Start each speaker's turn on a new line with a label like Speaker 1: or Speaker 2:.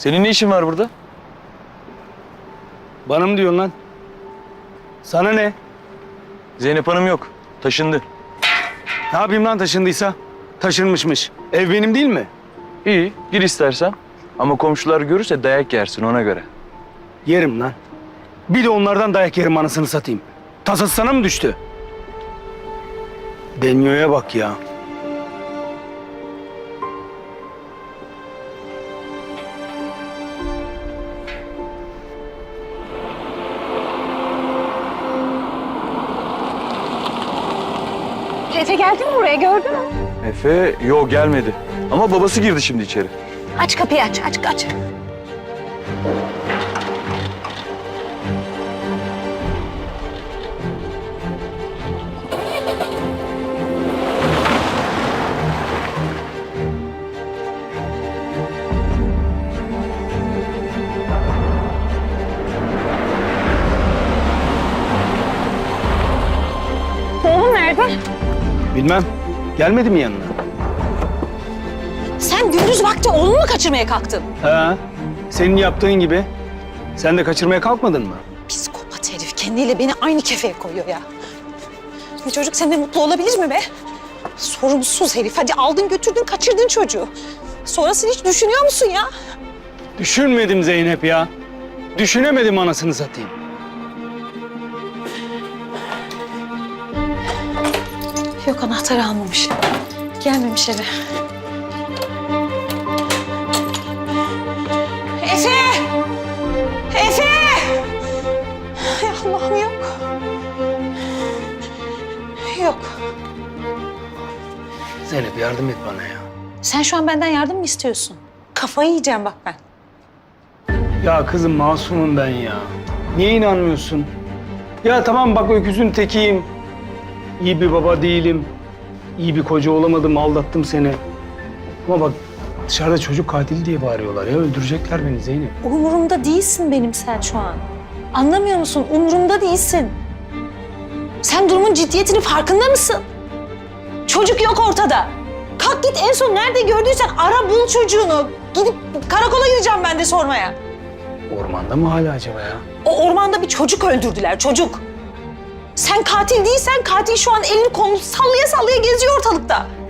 Speaker 1: Senin ne işin var burada?
Speaker 2: Bana mı diyorsun lan? Sana ne?
Speaker 1: Zeynep Hanım yok. Taşındı.
Speaker 2: Ne yapayım lan taşındıysa? Taşınmışmış. Ev benim değil mi?
Speaker 1: İyi, gir istersen. Ama komşular görürse dayak yersin ona göre.
Speaker 2: Yerim lan. Bir de onlardan dayak yerim anasını satayım. Tasası sana mı düştü? Denyo'ya bak ya.
Speaker 3: Efe geldi mi buraya, gördün mü?
Speaker 1: Efe, yok gelmedi. Ama babası girdi şimdi içeri.
Speaker 3: Aç kapıyı, aç. Oğlum nerede?
Speaker 2: Bilmem. Gelmedi mi yanına?
Speaker 3: Sen gündüz vakti oğlunu mu kaçırmaya kalktın?
Speaker 2: Ha, senin yaptığın gibi. Sen de kaçırmaya kalkmadın mı?
Speaker 3: Psikopat herif kendiyle beni aynı kefeye koyuyor ya. Bir çocuk seninle mutlu olabilir mi be? Sorumsuz herif. Hadi aldın götürdün kaçırdın çocuğu. Sonrasını hiç düşünüyor musun ya?
Speaker 2: Düşünmedim Zeynep ya. Düşünemedim anasını satayım.
Speaker 3: Yok, anahtarı almamış. Gelmemiş eve. Efe! Efe! Ay Allah'ım yok. Yok.
Speaker 2: Zeynep yardım et bana ya.
Speaker 3: Sen şu an benden yardım mı istiyorsun? Kafayı yiyeceğim bak ben.
Speaker 2: Ya kızım masumum ben ya. Niye inanmıyorsun? Ya tamam bak öküzün tekiyim. İyi bir baba değilim. İyi bir koca olamadım, aldattım seni. Ama bak dışarıda çocuk katili diye bağırıyorlar ya. Öldürecekler beni Zeynep.
Speaker 3: Umurumda değilsin benim sen şu an. Anlamıyor musun? Umurumda değilsin. Sen durumun ciddiyetinin farkında mısın? Çocuk yok ortada. Kalk git en son nerede gördüysen ara bul çocuğunu. Gidip karakola gideceğim ben de sormaya.
Speaker 2: Ormanda mı hala acaba ya?
Speaker 3: O ormanda bir çocuk öldürdüler, çocuk. Sen katil değilsen katil şu an elini kolunu sallaya sallaya geziyor ortalıkta.